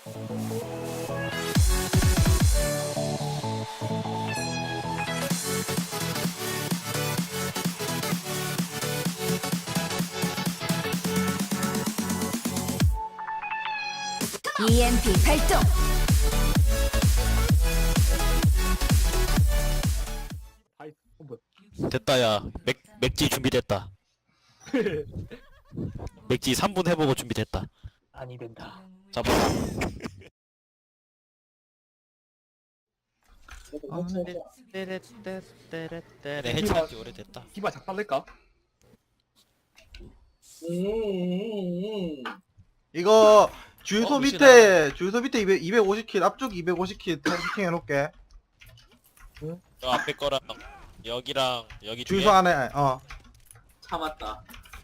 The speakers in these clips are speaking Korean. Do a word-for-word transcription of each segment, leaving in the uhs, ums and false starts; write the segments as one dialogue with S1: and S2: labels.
S1: 이엠피 발동.
S2: 아이, 어, 뭐야.
S3: 됐다. 야 맥, 맥지 준비됐다. 맥지 삼 분 해보고 준비됐다.
S2: 아니 된다.
S3: 잡아. 네, 해체한 지 오래됐다.
S2: 디바 작살낼까?
S4: 이거 주유소
S3: 어,
S4: 밑에 주유소 밑에 이백, 이백오십 킬 앞쪽 이백오십 킬 해킹 해놓을게.
S3: 저 앞에 거랑 여기랑 여기 뒤에
S4: 주유소 안에 어
S5: 참았다.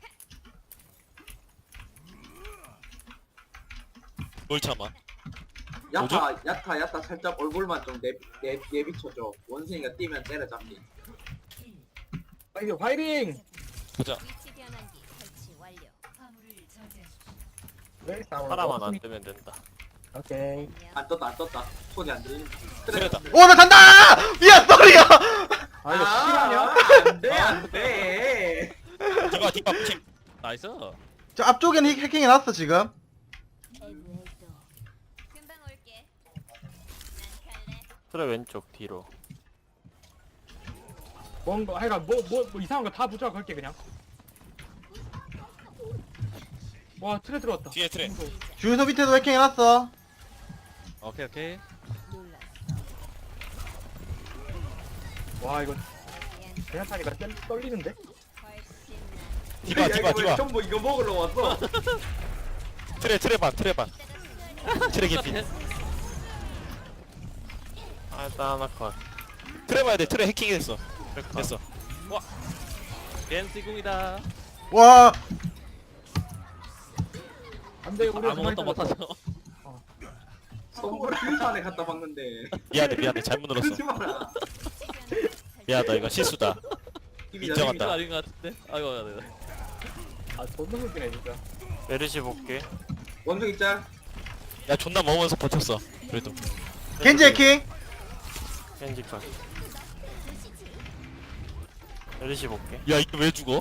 S3: 뭘 참아?
S5: 야타, 야타, 야타 살짝 얼굴만 좀 내, 내, 내비쳐줘. 원숭이가 뛰면 때려잡니.
S2: 파이팅! 파이팅!
S3: 보자.
S1: 위치 변환기 설치 완료.
S2: 네, 싸워.
S6: 사람만 안 뜨면 된다.
S2: 오케이.
S5: 안 떴다, 안 떴다. 소리 안 들리는.
S3: 그래다.
S4: 오나 간다! 미안 쏘리야!
S2: 아 이거 실화냐?
S5: 안 돼, 안 돼.
S3: 디바 디바 팀. 나이스.
S4: 저 앞쪽에는 해- 해킹 해놨어 지금.
S1: 금방 올게. 난 갈래.
S6: 트레 왼쪽 뒤로.
S2: 뭔가 하여간 뭐 뭐 뭐 이상한 거 다 부자 걸게 그냥. 와 트레 들어왔다.
S3: 뒤에 트레.
S4: 주유소 밑에도 해킹 해놨어.
S3: 오케이 오케이.
S2: 와 이거 그냥 타니까 떨, 떨리는데?
S1: 훨씬
S3: 디바
S5: 야,
S3: 디바
S5: 이거 왜
S3: 디바.
S5: 전부 이거 먹으러 왔어.
S3: 트레 트레 반 트레 반. 트레 개피.
S6: 아, 일단 하나 컷.
S3: 트레 봐야 돼. 트레 해킹했어.
S6: 트레 컷.
S3: 됐어. 와. 겐시궁이다.
S4: 와
S2: 안돼 우리
S3: 아무것도 못하죠.
S5: 선물 주유소안에 갖다 박는데.
S3: 미안해 미안해 잘못 눌렀어.
S5: 그러지 마라.
S3: 미안하다 이거 실수다. 인정한다.
S7: 아닌 것 같은데? 아이고, 네.
S2: 아 존나 웃기네 진짜.
S6: 메르시 볼게.
S5: 원숭이 짤.
S3: 야 존나 먹으면서 버텼어. 그래도.
S4: 겐지 해킹.
S6: 겐지 컷. 메르시 볼게.
S3: 야 이거 왜 죽어?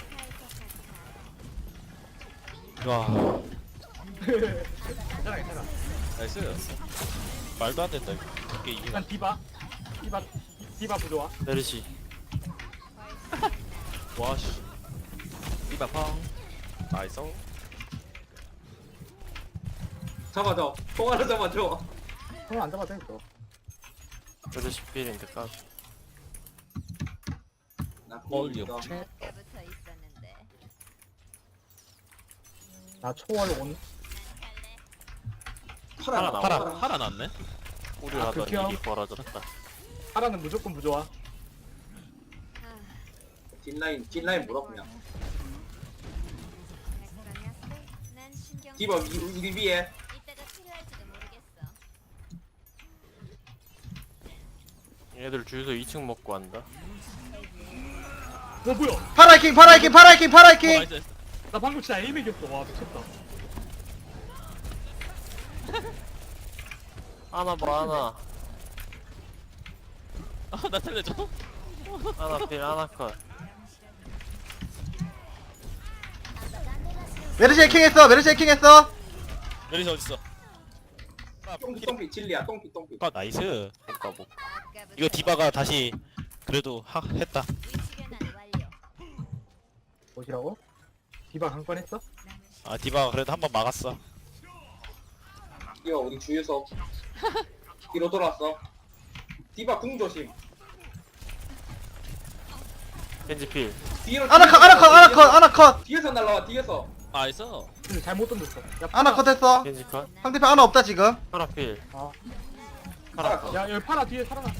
S3: 와.
S2: 괜찮아 괜찮아.
S3: 나이스. 말도 안 된다 이거. 이게 이게.
S2: 일단 디바 디바 디바 부조화.
S6: 메르시.
S3: 와씨.
S7: 이봐, 펑. 나이스.
S5: 잡아줘. 통화로 잡아줘.
S2: 손을 안 잡아도 돼 이거.
S6: 메르시 필인데 까.
S5: 나
S3: 멀리
S5: 보이니까.
S3: 없지?
S1: 아까부터 있었는데.
S2: 나 초월 온.
S5: 파라 나와.
S3: 파라.
S5: 파라.
S7: 살아났네?
S6: 우리
S2: 아,
S6: 하던
S2: 극혐.
S6: 일이 벌어졌다.
S2: 파라는 무조건 부조화.
S5: 뒷라인, 뒷라인 물어 그냥.
S1: 난 신경
S5: 디바 위, 우리 위에.
S1: 이따가 필요할지도 모르겠어.
S6: 얘들 주유소 이 층 먹고 한다.
S2: 어 뭐야?
S4: 파라 해킹 파라 해킹 파라 해킹 파라 해킹.
S7: 나이스, 나이스.
S2: 나 방금 진짜 에임 이겼어. 와 미쳤다.
S6: 하나 봐 하나.
S7: 아, 나 살려줘.
S6: 하나 필 하나 컷.
S4: 메르시 해킹했어 메르시 해킹했어.
S3: 메리시 어딨어?
S5: 똥피, 똥피, 진리야. 똥피, 똥피.
S3: 아 나이스.
S6: 볼까 볼까.
S1: 아까부터
S3: 이거 디바가 다시 그래도 하, 했다.
S1: 위치 변환 완료.
S2: 뭐시라고? 디바 강권 했어?
S3: 아 디바가 그래도 한 번 막았어.
S5: 이거 우리 주유소. 뒤로 돌아왔어. 디바 궁 조심.
S6: 겐지 필.
S5: 뒤로.
S4: 아나컷 아나컷 아나컷 아나컷
S5: 뒤에서 날라와. 뒤에서.
S7: 나이스.
S2: 근데 잘못 던졌어. 야,
S4: 아나컷 했어.
S6: 겐지 컷.
S4: 상대편 아나 없다 지금.
S6: 파라 필.
S2: 아.
S6: 파라 컷.
S2: 야 여기 파라 뒤에 살아나.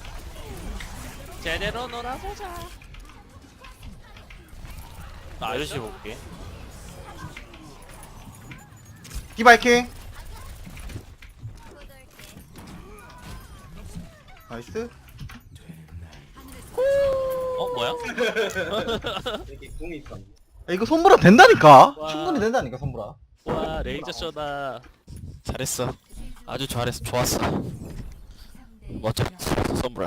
S7: 제대로 놀아보자.
S6: 메르시 볼게.
S4: 디바 해킹. 나이스.
S7: 어, 뭐야?
S5: 여기 궁이 있어.
S4: 야, 이거 손보라 된다니까.
S7: 와.
S4: 충분히 된다니까 손보라.
S7: 와, 레이저 쇼다.
S3: 잘했어. 아주 잘했어. 좋았어. 멋졌어. 썸브라.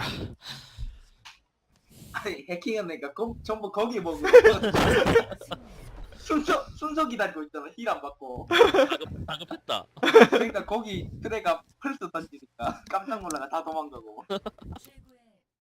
S5: 아니 해킹했으니까 거, 전부 거기 먹고 순서 순서 기다리고 있잖아. 힐 안 받고.
S7: 다급, 다급했다.
S5: 그러니까 거기 트레가 펄스 던지니까 깜짝 놀라가 다 도망가고.
S1: 최고의